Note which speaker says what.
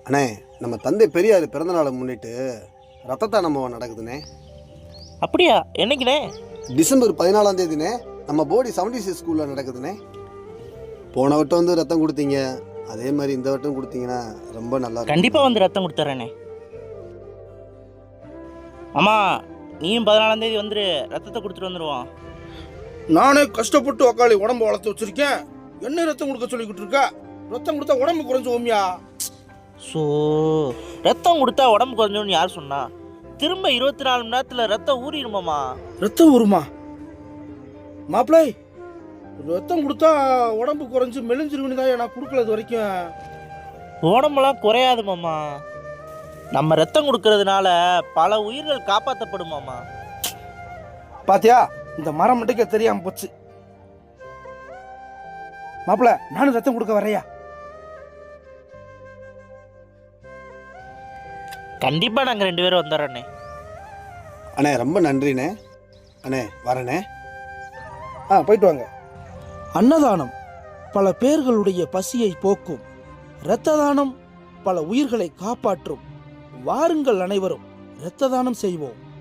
Speaker 1: அண்ணே, நம்ம தந்தை பெரியார் பிறந்தநாளை முன்னிட்டு ரத்த தானம் நடக்குதுண்ணே.
Speaker 2: அப்படியா? என்னைக்குண்ணே?
Speaker 1: டிசம்பர் 14ஆம் தேதினே நம்ம போடி 76 ஸ்கூலில் நடக்குதுண்ணே. போன வட்டம் வந்து ரத்தம் கொடுத்தீங்க, அதே மாதிரி இந்த வட்டம் கொடுத்தீங்கன்னா ரொம்ப நல்லா இருக்கும்.
Speaker 2: கண்டிப்பாக வந்து ரத்தம் கொடுத்துட்றேண்ணே. அம்மா, நீயும் 14ஆம் தேதி வந்துரு, ரத்தத்தை கொடுத்துட்டு வந்துடுவோம்.
Speaker 3: நானே கஷ்டப்பட்டு உக்காளி உடம்பு வளர்த்து வச்சிருக்கேன், என்ன ரத்தம் கொடுக்க சொல்லிக்கிட்டு இருக்கா? ரத்தம் கொடுத்தா உடம்பு குறைஞ்சு ஓமியா?
Speaker 2: ஸோ ரத்தம் கொடுத்தா உடம்பு குறைஞ்சோன்னு யார் சொன்னா? திரும்ப 24 மணி நேரத்தில் ரத்தம் ஊறிடுமாம்மா.
Speaker 3: ரத்தம் வருமா? மாப்பிள்ளை, ரத்தம் கொடுத்தா உடம்பு குறைஞ்சு மெலிஞ்சிருக்குன்னு தான் நான் கொடுக்கல இது வரைக்கும்.
Speaker 2: உடம்பெல்லாம் குறையாது மாமா. நம்ம ரத்தம் கொடுக்கறதுனால பல உயிர்கள் காப்பாற்றப்படுமாமா.
Speaker 3: பாத்தியா, இந்த மரம் மட்டுக்க தெரியாம போச்சு. மாப்பிள்ள, நானும் ரத்தம் கொடுக்க வரையா?
Speaker 2: கண்டிப்பாக நாங்கள் 2 பேரும் வந்துடுறோண்ணே.
Speaker 1: அண்ணே ரொம்ப நன்றிண்ணே. அண்ணே வரண்ணே.
Speaker 3: போயிட்டு வாங்க.
Speaker 4: அன்னதானம் பல பேர்களுடைய பசியை போக்கும். இரத்த தானம் பல உயிர்களை காப்பாற்றும். வாருங்கள் அனைவரும் இரத்த தானம் செய்வோம்.